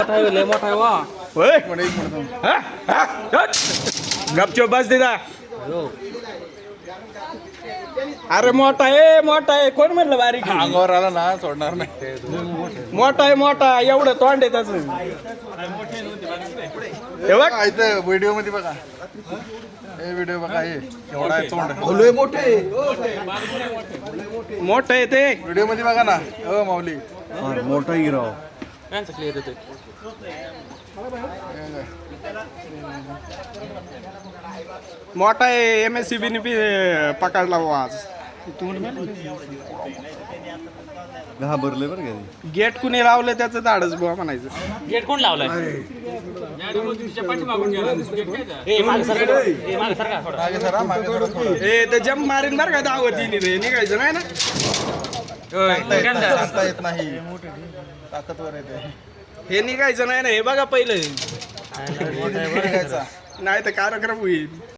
मोठा आहे लय मोठा आहे वा होय पण एक मिनिट हा? हा? हट. गपचूप बस दिदा अरे मोठा आहे कोण म्हणलं बारीक आहे? अंगावर आला ना सोडणार नाही. मोठा आहे एवढं तोंड आहे त्याच हे बघ इथं व्हिडिओ मध्ये बघा हे व्हिडिओ बघा हे एवढा आहे तोंड मोठं आहे ते व्हिडिओ मध्ये बघा ना हो माऊली मोठा हिरो यांचं क्लिअर येतोय मोठा आहे MSCB ने पकडला बुवा आज घाबरले बरं का गेट कुणी लावलं त्याचं धाडच बुवा म्हणायचं गेट कोण लावलाय मागे सरा मागे सरा थोडं. ए ते जम्प मारीन बरं का दावतीने रे निघायचं नाही ना सांगता येत नाही ताकदवर येते हे निघायचं नाही ना हे बघा पहिलं निघायचा नाही तर कार्यक्रम होईल